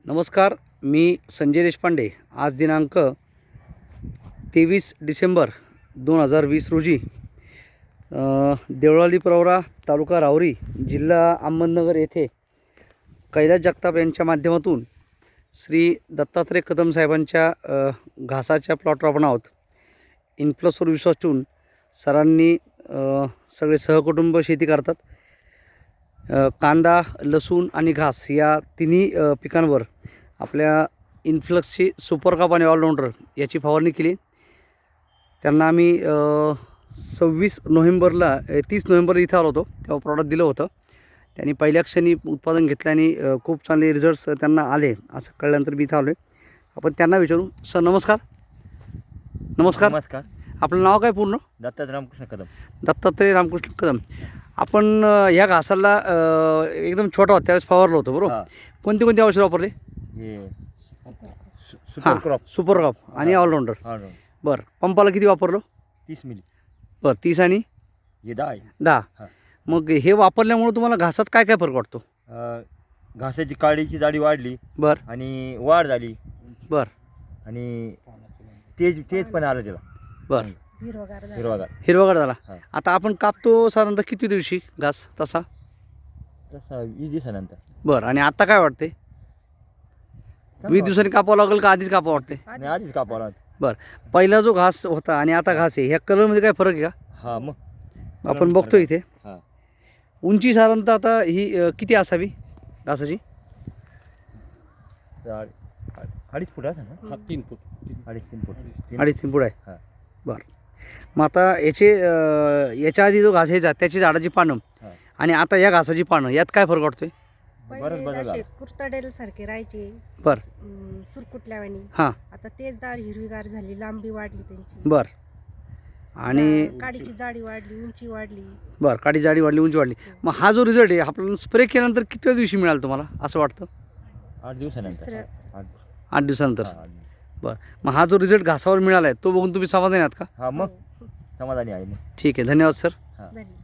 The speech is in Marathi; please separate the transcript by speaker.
Speaker 1: नमस्कार, मी संजय देशपांडे. आज दिनांक 23 डिसेंबर 2020 रोजी देवळाली प्रवरा, तालुका राहुरी, जिल्हा अहमदनगर येथे कैलास जगताप यांच्या माध्यमातून श्री दत्तात्रय कदम साहेबांच्या घासाच्या प्लॉटवर आपण आहोत. इन्फ्लसवर विश्वास ठेवून सरांनी सगळे सहकुटुंब शेती करतात. कांदा, लसूण आणि घास या तिन्ही पिकांवर आपल्या इन्फ्लक्सची सुपर कप आणि ऑलराऊंडर याची फवारणी केली. त्यांना आम्ही 26 नोव्हेंबरला 30 नोव्हेंबरला इथं आलो होतो, तेव्हा प्रॉडक्ट दिलं होतं. त्यांनी पहिल्या क्षणी उत्पादन घेतलं आणि खूप चांगले रिझल्ट्स त्यांना आले असं कळल्यानंतर मी इथं आलो आहे. आपण त्यांना विचारू. सर नमस्कार. नमस्कार.
Speaker 2: नमस्कार.
Speaker 1: आपलं नाव काय पूर्ण?
Speaker 2: दत्तात्रय रामकृष्ण कदम.
Speaker 1: दत्तात्रय रामकृष्ण कदम. आपण ह्या घासाला एकदम छोटा होता त्यावेळेस फवारलं होतं बरोबर?
Speaker 2: हा.
Speaker 1: कोणते कोणते औषध वापरले?
Speaker 2: हे
Speaker 1: हां,
Speaker 2: सुपर क्रॉप
Speaker 1: सुपर क्रॉप आणि ऑलराऊंडर. बरं, पंपाला किती वापरलं?
Speaker 2: 30 मिली.
Speaker 1: बरं, 30 आणि
Speaker 2: हे 10 आहे.
Speaker 1: 10.
Speaker 2: हां.
Speaker 1: मग हे वापरल्यामुळे तुम्हाला घासात काय काय फरक वाटतो?
Speaker 2: घासाची काडीची जाडी वाढली
Speaker 1: बरं
Speaker 2: आणि वाढ झाली
Speaker 1: बरं
Speaker 2: आणि तेज पण आलं त्याला.
Speaker 1: बरं,
Speaker 2: हिरवागार.
Speaker 1: हिरवागार झाला.
Speaker 2: हां.
Speaker 1: आता आपण कापतो साधारणतः किती दिवशी घास तसा?
Speaker 2: तसा 20 दिवसानंतर.
Speaker 1: बरं, आणि आता काय वाटते? 20 दिवसांनी कापावं लागेल का आधीच कापावं वाटते?
Speaker 2: आणि आधीच कापावं.
Speaker 1: बरं, पहिला जो घास होता आणि आता घास आहे ह्या कलरमध्ये काय फरक आहे का?
Speaker 2: हा मग
Speaker 1: आपण बघतो इथे.
Speaker 2: हां.
Speaker 1: उंची साधारणतः आता ही किती असावी घासाची?
Speaker 2: 2.5 फूट आहे ना?
Speaker 3: 3 फूट.
Speaker 2: 2.5-3 फूट.
Speaker 1: 2.5-3 फूट आहे.
Speaker 2: हां.
Speaker 1: बरं, मग आता याच्या आधी जो घास यायचा त्याची झाडाची पानं
Speaker 2: हां.
Speaker 1: आणि आता या घासाची पानं यात काय फरक वाटतोय?
Speaker 2: बरंच बदल
Speaker 4: पहिले
Speaker 2: झाला.
Speaker 4: असे कुरतडेल सारखे राहायचे,
Speaker 1: बरं.
Speaker 4: सुरकुटल्यावानी.
Speaker 1: हां.
Speaker 4: आता तेजदार हिरवीगार झाली, लांबी वाढली त्यांची.
Speaker 1: बरं, आणि
Speaker 4: काडीची जाडी वाढली, उंची वाढली.
Speaker 1: बरं, काडी जाडी वाढली, उंची वाढली. मग हा जो रिझल्ट आहे आपल्याला स्प्रे केल्यानंतर किती दिवशी मिळाला तुम्हाला असं वाटतं?
Speaker 2: 8 दिवसानंतर.
Speaker 4: तिसरं.
Speaker 1: 8 दिवसानंतर.
Speaker 2: हां.
Speaker 1: बरं, मग हा जो रिझल्ट घासावर मिळाला आहे तो बघून तुम्ही समाधानी आहात का?
Speaker 2: हां मग समाधानी आहे मग.
Speaker 1: ठीक आहे, धन्यवाद सर.
Speaker 4: धन्यवाद.